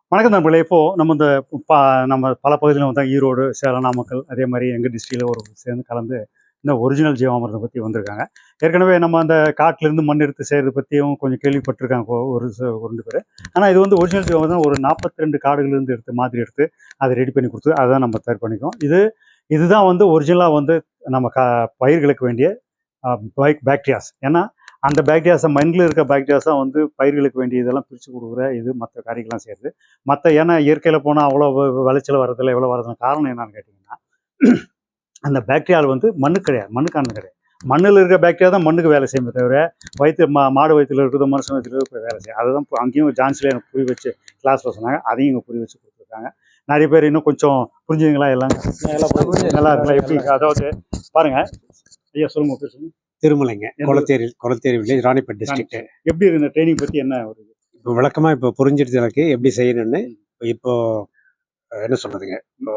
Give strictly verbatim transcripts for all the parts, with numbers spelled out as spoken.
வணக்கம் நண்பர்களே. இப்போது நம்ம இந்த பா நம்ம பல பகுதியில் வந்து ஈரோடு, சேலம், நாமக்கல், அதே மாதிரி எங்கள் டிஸ்ட்ரிக்டில் ஒரு சேர்ந்து கலந்து இந்த ஒரிஜினல் ஜீவாமிர்தம் பற்றி வந்திருக்காங்க. ஏற்கனவே நம்ம அந்த காட்டிலேருந்து மண் எடுத்து செய்கிறத பற்றியும் கொஞ்சம் கேள்விப்பட்டிருக்காங்க ஒரு ஒரு ரெண்டு பேர். ஆனால் இது வந்து ஒரிஜினல் ஜீவாமிர்தம் ஒரு நாற்பத்தி ரெண்டு காடுகளிலிருந்து எடுத்து மாதிரி எடுத்து அதை ரெடி பண்ணி கொடுத்து அதை தான் நம்ம தயார் பண்ணிக்கோம். இது இதுதான் வந்து ஒரிஜினலாக வந்து நம்ம க பயிர்களுக்கு வேண்டிய பைக் பாக்டீரியாஸ். ஏன்னா அந்த பாக்டீரியாஸை மண்ணில் இருக்க பாக்டீரியாஸ் தான் வந்து பயிர்களுக்கு வேண்டிய இதெல்லாம் பிரித்து கொடுக்குற இது மற்ற காரியங்கள்லாம் செய்யுது. மற்ற ஏன்னா இயற்கையில் போனால் அவ்வளோ விளைச்சல் வரதில்லை, எவ்வளோ வரதுன்னு காரணம் என்னன்னு கேட்டிங்கன்னா அந்த பாக்டீரியாவில் வந்து மண்ணு கிடையாது, மண்ணுக்கான கிடையாது. மண்ணில் இருக்கிற பாக்டீரியா தான் மண்ணுக்கு வேலை செய்யுமே தவிர வயிற்று மா மாடு வயிற்றில் இருக்கிறது மனுஷன் வயிற்றில் இருக்கிற வேலை செய்யும். அதை தான் அங்கேயும் ஜான்சில் எனக்கு புரிய வச்சு கிளாஸில் சொன்னாங்க. அதையும் இங்கே புரிய வச்சு கொடுத்துருக்காங்க. நிறைய பேர் இன்னும் கொஞ்சம் புரிஞ்சுங்களா எல்லாம் நல்லா இருக்கலாம். எப்படி அதாவது பாருங்கள் ஐயா, சொல்லுங்க பேர் சொல்லுங்க. திருமலைங்க, கொளத்தேரி கொளத்தேரி வில்லேஜ், ராணிப்பேட் டிஸ்ட்ரிக்ட். எப்படி இருக்கு இந்த ட்ரைனிங் பற்றி என்ன ஒரு இப்போ விளக்கமாக இப்போ புரிஞ்சிருச்சு எனக்கு எப்படி செய்யணும்னு. இப்போ என்ன சொல்றதுங்க, இப்போ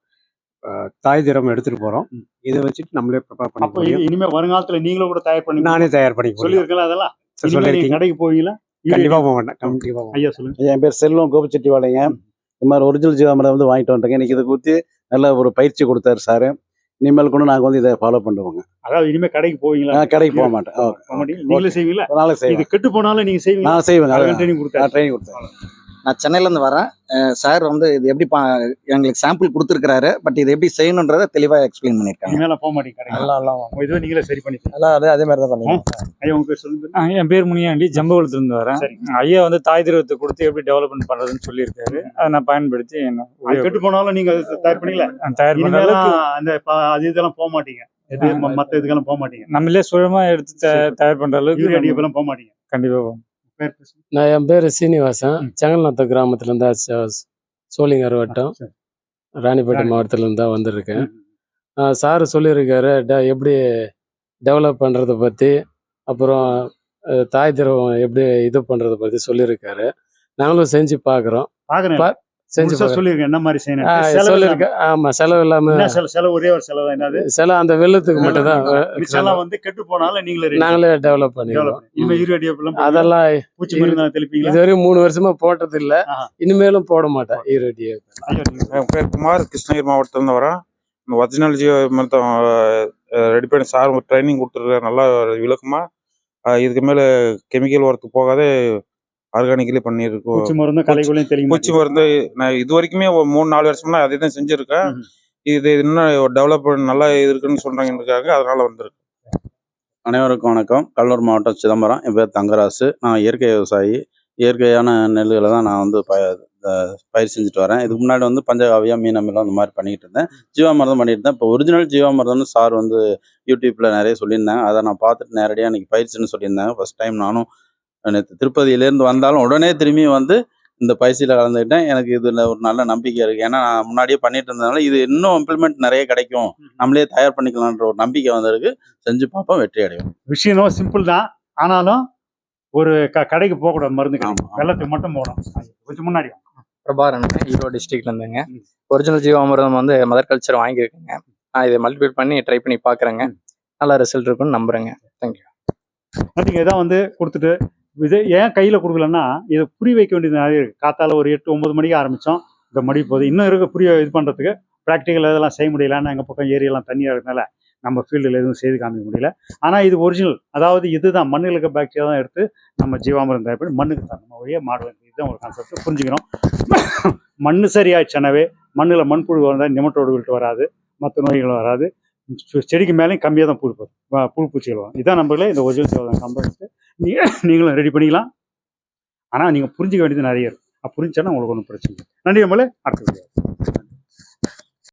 தாய் திரம் எடுத்துட்டு போறோம். இதை வச்சுட்டு நம்மளே ப்ரிப்பேர் பண்ணி இனிமேல் வருங்காலத்தில் நீங்களும் கூட தயார் பண்ணி நானே தயார் பண்ணி சொல்லியிருக்கலாம். அதெல்லாம் சொல்லியிருக்கீங்க. கடைக்கு போவீங்களா? கண்டிப்பாக போக மாட்டேன். கண்டிப்பாக. ஐயா சொல்லுங்க. என் பேர் செல்வம் கோபிச்செட்டிவாளைங்க. இந்த மாதிரி ஒரிஜினல் ஜீவாமிர்தம் வந்து வாங்கிட்டு வந்துட்டேங்க. இன்னைக்கு இதை குறித்து நல்ல ஒரு பயிற்சி கொடுத்தாரு சார். இனிமேல் கூட நாங்கள் வந்து இதை ஃபாலோ பண்ணுவோங்க. அதாவது இனிமேல் கடைக்கு போவீங்களா? நான் கடைக்கு போக மாட்டேன். நீங்களே செய்வீங்களா? அதனால செய்வேன். இது கெட்டு போனாலும் நீங்கள் செய்வீங்க? நான் செய்வேங்க. ட்ரைனிங் கொடுத்தேன் ட்ரைனிங் கொடுத்தேன். நான் சென்னையிலேருந்து வரேன். சார் வந்து இது எப்படி பா எங்களுக்கு சாம்பிள் கொடுத்துருக்காரு. பட் இது எப்படி செய்யணுன்றதை தெளிவாக எக்ஸ்பிளைன் பண்ணியிருக்காங்க. மேலே போக மாட்டேங்க. இதுவே நீங்களே சரி பண்ணி அதே அதே மாதிரி தான் பண்ணுவோம். ஐயா உங்க பேர் சொல்லுங்க. என் பேர் முனியாண்டி, ஜம்பகுளத்துலேருந்து வரேன். ஐயா வந்து தாய் திரவத்தை கொடுத்து எப்படி டெவலப்மெண்ட் பண்ணுறதுன்னு சொல்லியிருக்காரு. அதை நான் பயன்படுத்தி என்ன கெட்டு போனாலும் நீங்கள் தயார் பண்ணீங்களா? தயார் பண்ணாலும் அந்த அது இதெல்லாம் போக மாட்டீங்க. மற்ற இதுக்கெல்லாம் போக மாட்டீங்க. நம்மளே சுயமாக எடுத்து தயார் பண்ணுற அளவுக்கு போக மாட்டீங்க. கண்டிப்பாக போகும். நான் என் பேர் சீனிவாசன், செங்கல்நாத்த கிராமத்துலேருந்து சோழிங்கர் வட்டம், ராணிப்பேட்டை மாவட்டத்துலேருந்து தான் வந்திருக்கேன். சார் சொல்லியிருக்காரு ட எப்படி டெவலப் பண்ணுறதை பற்றி, அப்புறம் தாய் திரவம் எப்படி இது பண்ணுறதை பற்றி சொல்லியிருக்காரு. நாங்களும் செஞ்சு பார்க்குறோம். செஞ்சு சொல்லிருக்கேன் என்ன மாதிரி சொல்லியிருக்கேன். ஆமாம், செலவு இல்லாமல். செலவு ஒரே ஒரு செலவு என்னது? செலவு அந்த வெள்ளத்துக்கு மட்டும் தான். வந்து கெட்டு போனாலும் நீங்களே நாங்களே டெவலப் பண்ணிடுவோம். அதெல்லாம் இதுவரையும் மூணு வருஷமா போட்டது இல்லை, இனிமேலும் போட மாட்டேன் ஈரோடியை. என் பேர் குமார், கிருஷ்ணகிரி மாவட்டத்துலேருந்து வரேன். இந்த ஒரிஜினல் ஜீவாமிர்தம் ரெடி பண்ணி சார் ட்ரைனிங் கொடுத்துருக்காரு. நல்லா விளக்கமாக இதுக்கு மேலே கெமிக்கல் ஒர்க்கு போகாதே ஆர்கானிக்கலி பண்ணியிருக்கோம். பூச்சி மருந்து கலைகளையும் தெரியும். பூச்சி மருந்து நான் இது வரைக்குமே மூணு நாலு வருஷமா அதே தான் செஞ்சுருக்கேன். இது இன்னும் டெவலப் நல்லா இருக்குன்னு சொல்கிறாங்கன்றதுக்காக அதனால் வந்திருக்கு. அனைவருக்கும் வணக்கம். கடலூர் மாவட்டம் சிதம்பரம். என் பேர் தங்கராசு. நான் இயற்கை விவசாயி. இயற்கையான நெல்லுகளை தான் நான் வந்து ப பயிர் செஞ்சுட்டு வரேன். இதுக்கு முன்னாடி வந்து பஞ்சகாவியம், மீனமிலம் அந்த மாதிரி பண்ணிக்கிட்டு இருந்தேன். ஜீவாமிர்தம் பண்ணிட்டு இருந்தேன். இப்போ ஒரிஜினல் ஜீவாமிர்தம்னு சார் வந்து யூடியூப்பில் நிறைய சொல்லியிருந்தாங்க. அதை நான் பார்த்துட்டு நேரடியாக இன்றைக்கி பயிற்சின்னு சொல்லியிருந்தாங்க. ஃபஸ்ட் டைம் நானும் நேற்று திருப்பதியிலேருந்து வந்தாலும் உடனே திரும்பி வந்து இந்த பயிற்சியில் கலந்துக்கிட்டேன். எனக்கு இதில் ஒரு நல்ல நம்பிக்கை இருக்குது. ஏன்னா நான் முன்னாடியே பண்ணிட்டு இருந்ததுனால இது இன்னும் இம்ப்ளிமெண்ட் நிறைய கிடைக்கும், நம்மளே தயார் பண்ணிக்கலான்ற ஒரு நம்பிக்கை வந்திருக்கு. செஞ்சு பார்ப்போம், வெற்றி அடையும். விஷயம் சிம்பிள் தான். ஆனாலும் ஒரு க கடைக்கு போகக்கூடாது. மருந்து வெள்ளத்துக்கு மட்டும் போகணும். கொஞ்சம் முன்னாடி பிரபாரன், ஈரோடு டிஸ்ட்ரிக்ட்ல இருந்துங்க. ஒரிஜினல் ஜீவாமிர்தம் வந்து மதர் கல்ச்சர் வாங்கியிருக்கேங்க. நான் இதை மல்டிபிள் பண்ணி ட்ரை பண்ணி பார்க்குறேங்க. நல்ல ரிசல்ட் இருக்குன்னு நம்புகிறேங்க. தேங்க்யூ. நீங்கள் இதான் வந்து கொடுத்துட்டு இது ஏன் கையில் கொடுக்கலன்னா இதை புரிய வைக்க வேண்டியது நிறைய இருக்குது. காத்தால ஒரு எட்டு ஒம்பது மணிக்கு ஆரம்பித்தோம். இந்த மணி போகுது. இன்னும் இருக்க புரிய இது பண்ணுறதுக்கு ப்ராக்டிக்கல் இதெல்லாம் செய்ய முடியலன்னா எங்கள் பக்கம் ஏரியெல்லாம் தண்ணியாக இருக்கிறதுனால நம்ம ஃபீல்டில் எதுவும் செய்து காமிக்க முடியல. ஆனால் இது ஒரிஜினல், அதாவது இதுதான் மண்ணில் இருக்க பாக்டீரியா தான் எடுத்து நம்ம ஜீவாமிர்தம் தயார் பண்ணி மண்ணுக்கு தான் நம்ம வழியாக மாடு வந்து இதுதான் ஒரு கான்செப்ட் புரிஞ்சுக்கணும். மண் சரியாயிடுச்சுனாவே மண்ணில் மண்புழு வந்தால் நிமட்டோடு விட்டு வராது, மற்ற நோய்கள் வராது. செடிக்கு மேலேயும் கம்மியாக தான் புழு போகும், புழு பூச்சிகள் வரும். இதான் நம்மளே இந்த ஒரிஜினல் ஜீவாமிர்தம் கம்பெனி நீங்கள் நீங்களும் ரெடி பண்ணிக்கலாம். ஆனால் நீங்கள் புரிஞ்சிக்க வேண்டியது நிறைய இருக்கும். புரிஞ்சானா உங்களுக்கு ஒன்றும் பிரச்சனை இல்லை. நன்றி நம்மளே அடுத்த வீடியோ.